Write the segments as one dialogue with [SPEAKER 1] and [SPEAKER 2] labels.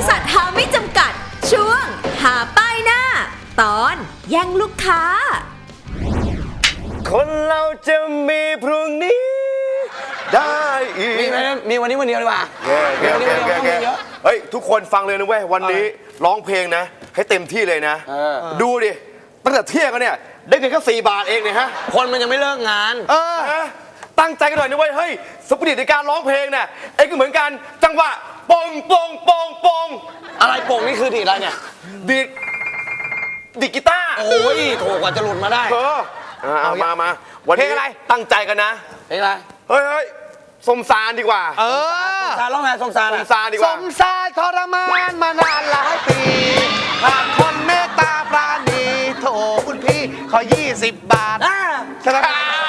[SPEAKER 1] ษัทหาไม่จำกัดช่วงหาป้ายหน้าตอนแย่งลูกค้า
[SPEAKER 2] คนเราจะมีพรุ่งนี้ได้อีก
[SPEAKER 3] มีวันนี้วันเดียวดีกว่า
[SPEAKER 2] เฮ้ยทุกคนฟังเลยนะเว้ยวันนี้ร้องเพลงนะให้เต็มที่เลยนะดูดิตั้งแต่เที่ยงกันเนี่ยได้เงินแค่4 บาทเองเนี่ยฮะ
[SPEAKER 3] คนมันยังไม่เลิกงาน
[SPEAKER 2] ตั้งใจกันหน่อยนะเว้ยเฮ้ยสปิริตในการร้องเพลงเนี่ยเอ้ก็เหมือนกันจังหวะปงปงปงปง
[SPEAKER 3] อะไรโป่งนี่คือดีอะไรเนี่ย
[SPEAKER 2] ดีกีตาร์
[SPEAKER 3] โอ้ยโถกว่าจะหลุดมาได้
[SPEAKER 2] เอามาวันนี้อะไรตั้งใจกันนะ
[SPEAKER 3] เพลงอะไร
[SPEAKER 2] เฮ้ยสมสารดีกว่า
[SPEAKER 3] สมสารร้องไงสมสาร
[SPEAKER 2] ดีกว่า
[SPEAKER 4] สมสารทรมานมานานหลายปีขาดคนเมตตาปราณีโถคุณพี่ขอ20 บาทใช่ไหม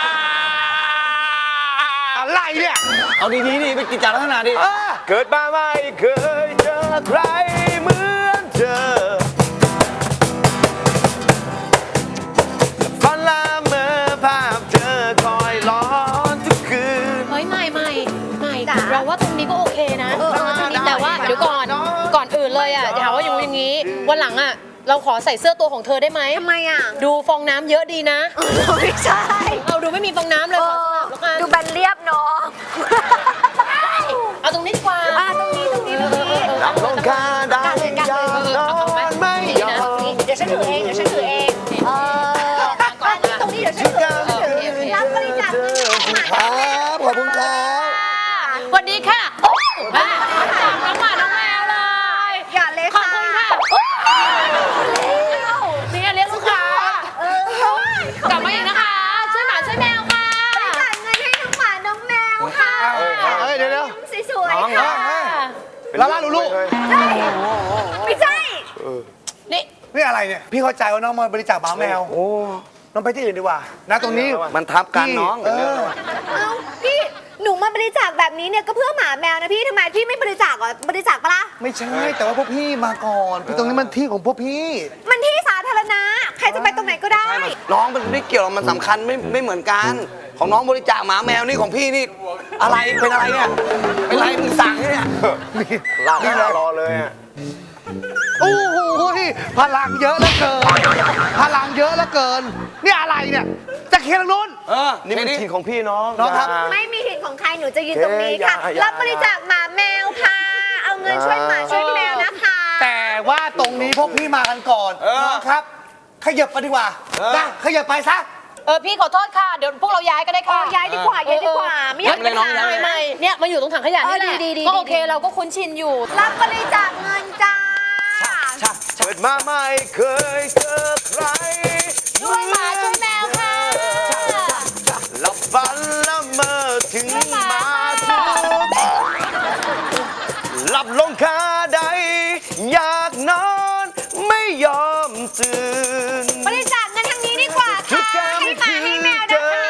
[SPEAKER 4] อะไรเนี่ย
[SPEAKER 3] เอาดีๆดิไปกิจจาลักษณะดิ
[SPEAKER 2] เกิดมาไม่เคยเจอใครเหมือนเธอฝันละเมอภาพเธอคอยร้อนทุกคืน
[SPEAKER 5] เฮ้ยไม่เราว่าตรงนี้ก็โอเคนะแต่ว่าเดี๋ยวก่อนอื่นเลยอ่ะถามว่าอย่างนี้วันหลังอ่ะเราขอใส่เสื้อตัวของเธอได้ไหม
[SPEAKER 1] ทำไมอ่ะ
[SPEAKER 5] ดูฟองน้ำเยอะดีนะ
[SPEAKER 1] ไม่ใช่
[SPEAKER 5] เอาดูไม่มีฟองน้ำเลยขอสลับแล้วกัน
[SPEAKER 1] ดูแบนเรียบเนาะ
[SPEAKER 5] เอาตรงนี้ดีกว่า
[SPEAKER 1] ตรงนี้
[SPEAKER 2] รับลงคาได้ยอมนอนไม่ยอม
[SPEAKER 1] เดี๋ยวฉันถือเองตรงนี้เดี๋ยวฉันถือรับบริจาค
[SPEAKER 4] ขอบคุณครับ
[SPEAKER 5] สวัสดีค่ะน้องหมาน้องแมวเลย
[SPEAKER 1] อย่าเลย
[SPEAKER 5] ขอบคุณค่ะนี่เลี้ยงลูกค้ากลับมาอีกนะคะช่วยหมาช่วยแมวค่ะ
[SPEAKER 1] บริจาคเงินให้น้องหมาน้องแมวค่ะ
[SPEAKER 4] เดี๋ยว
[SPEAKER 1] สวยๆค่ะ
[SPEAKER 4] ลาลูก
[SPEAKER 1] ไม่ใช่
[SPEAKER 4] นี่อะไรเนี่ยพี่เข้าใจว่าน้องมาบริจาคหมาแมวน้องไปที่อื่นดีกว่านะตรงนี้
[SPEAKER 3] มันทับกันน้อง
[SPEAKER 1] พี่หนูมาบริจาคแบบนี้เนี่ยก็เพื่อหมาแมวนะพี่ทำไมพี่ไม่บริจาคบริจาคปะล่ะ
[SPEAKER 4] ไม่ใช่แต่ว่าพวกพี่มาก่อนตรงนี้มันที่ของพวกพี่
[SPEAKER 1] มันที่สาธารณะใครจะไปตรงไหนก็ได้
[SPEAKER 3] น้องมันไม่เกี่ยวมันสำคัญไม่เหมือนกันของน้องบริจาคหมาแมวนี่ของพี่นี่อะไรเป็นอะไรเนี่ยเป็นอะไรมึงสั่งเนี่ย
[SPEAKER 2] รอเลยอ่ะ
[SPEAKER 4] โอ้โหพลังเยอะเหลือเกินนี่อะไรเนี่ยจะเคลียร์ทางนู้น
[SPEAKER 2] นี่เป็นถิ่นของพี่น้อง
[SPEAKER 4] ครับ
[SPEAKER 1] ไม่มีถิ่นของใครหนูจะยืนตรงนี้ค่ะรับบริจาคหมาแมวค่ะเอาเงินช่วยหมาช่วยแมวนะคะ
[SPEAKER 4] แต่ว่าตรงนี้พวกพี่มากันก่อนน้องครับขยับไปดีกว่าขยับไปซะ
[SPEAKER 5] พี่ขอโทษค่ะเดี๋ยวพวกเราย้ายก็ได้ค่ะ
[SPEAKER 1] ย้ายดีกว่าไม่อยาก
[SPEAKER 5] ไปไม่เนี่ยมาอยู่ตรงถังขยะนี่แหละก็โอเคเราก็คุ้นชินอยู่
[SPEAKER 1] รับบริจาคเงินจ้า
[SPEAKER 2] เกิดมาไม่เคยเจอใคร
[SPEAKER 5] ช่วยหมาช่วยแมวค่ะ
[SPEAKER 2] หลับฝันละเมอถึงมาทุกหลับลงคาใดอยากนอนไม่ยอมตื่น
[SPEAKER 1] บริจาคเงินทางนี้ดีกว่าค่ะให้หมาให้แมว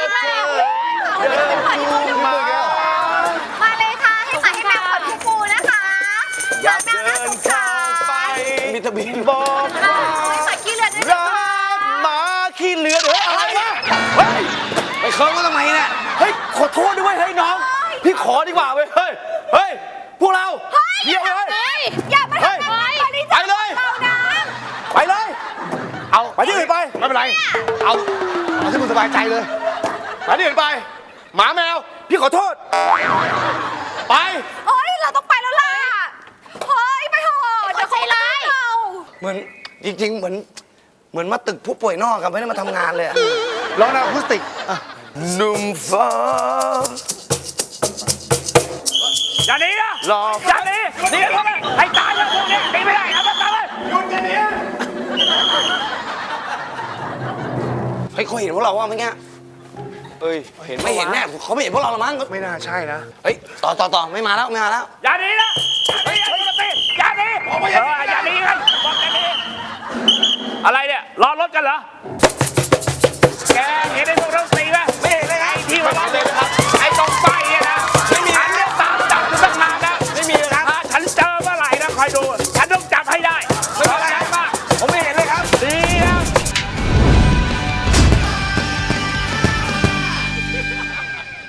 [SPEAKER 1] นะคะมาเลยค่ะให้หมาให้แมวขอทุกปูนะคะ
[SPEAKER 2] อยากเดินข้ามไปมีทะเบียนบอก
[SPEAKER 1] หมาขี้เลือดด้วย
[SPEAKER 2] รักหมาขี้เลือดอะไรวะเฮ้ย
[SPEAKER 3] ไปเคิร์ฟก็ทำไมเนี่ย
[SPEAKER 2] เฮ้ยขอโทษด้วยเฮ้ยน้องพี่ขอดีกว่าเว้ยเฮ้ยพวกเราเยี่ยมเลย
[SPEAKER 1] อย่ามาทำแบบนี้
[SPEAKER 2] ไปเลยไปเลยเอาไปที่อื่นไป
[SPEAKER 4] ไม่เป็นไรเอาที่มึงสบายใจเลย
[SPEAKER 2] ไปที่อื่นไปหมาแมวพี่ขอโทษไป
[SPEAKER 1] เราต้องไปแล้วล่ะไปเถอะเดี๋ยวเขาไล่
[SPEAKER 3] เหมือนจริงๆเหมือนมาตึกผู้ป่วยนอกกันไม่ได้มาทำงานเลย
[SPEAKER 4] ร้องแนวอะคูสติก
[SPEAKER 2] หนุ่มฟ้า
[SPEAKER 4] อย่าหนีนะ
[SPEAKER 2] อย่าหนีเข้าไปให้ตายเลยพวกนี้หนีไม่ได้เอาไปตายเลยหยุดอย่าหนี
[SPEAKER 3] เฮ้ยเขาเห็นพวกเราว่าเมื่อกี้เห็นไม่เห็นแน่เขาไม่เห็นพวกเราหรอมั้ง
[SPEAKER 4] ไม่น่าใช่นะ
[SPEAKER 3] เฮ้ยต่อไม่มาแล้ว
[SPEAKER 2] อย่าหนีนะอย่าหนีอย่าหนีไงบอกอย่าหนีอะไรเนี่ยรอรถกันเหรอแกเห็นไอ้พวกเราตีไหมไม่เห็นเลยไงที่ว่าเรา